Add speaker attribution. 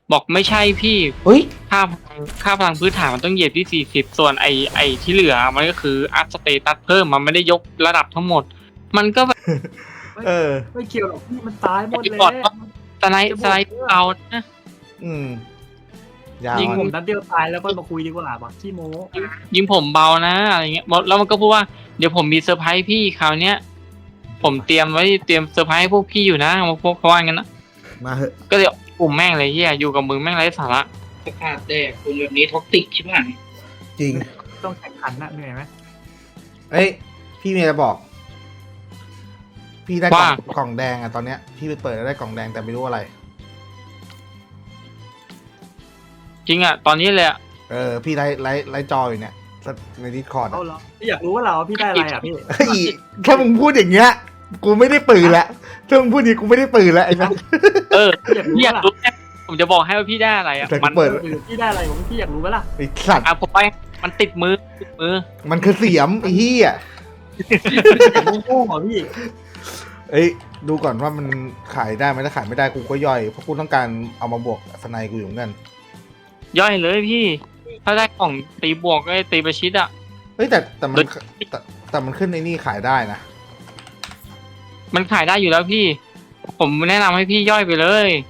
Speaker 1: บอกไม่ใช่พี่
Speaker 2: เฮ้ย
Speaker 1: ค่าพลังพื้นฐานมันต้องเหยียบที่40ส่วนไอที่เหลือมันก็คืออัพสเตตัสเพิ่มมันไม่ได้ยกระดับทั้งหมด มันก็แบบ
Speaker 2: เออ
Speaker 3: ไม่เกี่ยวหรอกพี่มันตายหมดเลย
Speaker 1: ก่อนว่าสไลด์เอานะ
Speaker 2: อืมยาว
Speaker 1: ยิง
Speaker 3: ผมนัดเดียวตายแล้วก็มาคุยดีกว่าบอกขี้โม้
Speaker 1: ยิงผมเบานะอะไรเงี้ยแล้วมันก็พูดว่าเดี๋ยวผมมีเซอร์ไพรส์พี่คราวเนี้ยผมเตรียมเซอร์ไพรส์ให้พวกพี่อยู่นะพวกเขาว่างั้นนะ
Speaker 2: มาเหอะ
Speaker 1: ก็เลยกลุ่มแม่งเลยเฮียอยู่กับมึงแม่งไร้สาระ
Speaker 4: สภาพแดกคุณแบบนี้ท็อกซิกใช่ไหม
Speaker 2: จริง
Speaker 3: ต้องแข่งขันนะเหนื่อยไหม
Speaker 2: เอ้ยพี่เมียจะบอก พี่ได้กล่องแดงอะตอนเนี้ยพี่ไปเปิดแล้วได้กล่องแดงแต่ไม่รู้อะไร
Speaker 1: จริงอ่ะตอนนี้เลยอ่ะ
Speaker 2: เออพี่ไลฟ์จออยู่เนี่ยในดิสคอร์ด
Speaker 3: เอาเหรอพี่อยากรู้ว่าเราพี่ได้อะไรอ่ะพี่
Speaker 2: ถ้ามึงพูดอย่างเงี้ยกูไม่ได้ปืนละถ้ามึงพูดอย่างนี้กูไม่ได้ปืนละไอ้นั่น
Speaker 1: เออ
Speaker 3: พี่อยากรู้
Speaker 1: พี่อยากรู้แน่ผมจะบอกให้ว่าพี่ได้อะไรอ่ะ
Speaker 2: แต่กู
Speaker 1: มัน
Speaker 2: เปิด
Speaker 3: พี่ได้อะไรผมพี่อยากรู้ไหมล่ะ
Speaker 2: ไอ้สัตว์
Speaker 1: อ่ะผมไปมันติดมือ
Speaker 2: มันคือเสียมไอ้เหี้ย
Speaker 3: อยากโง่ๆเหรอพี่
Speaker 2: เอ้ยดูก่อนว่ามันขายได้ไหมถ้าขายไม่ได้กูก็ย่อยเพราะกูต้องการเอามาบวกสไนกูอยู่เหมือนกัน
Speaker 1: ย่อยเลยพี่ ถ้าได้กล่องตีบวกก็ตีประชิดอ่ะ
Speaker 2: เฮ้ยแต่มันขึ้นในนี่ขายได้นะ
Speaker 1: มันขายได้อยู่แล้วพี่ ผมแนะนำให้พี่ย่อยไปเลย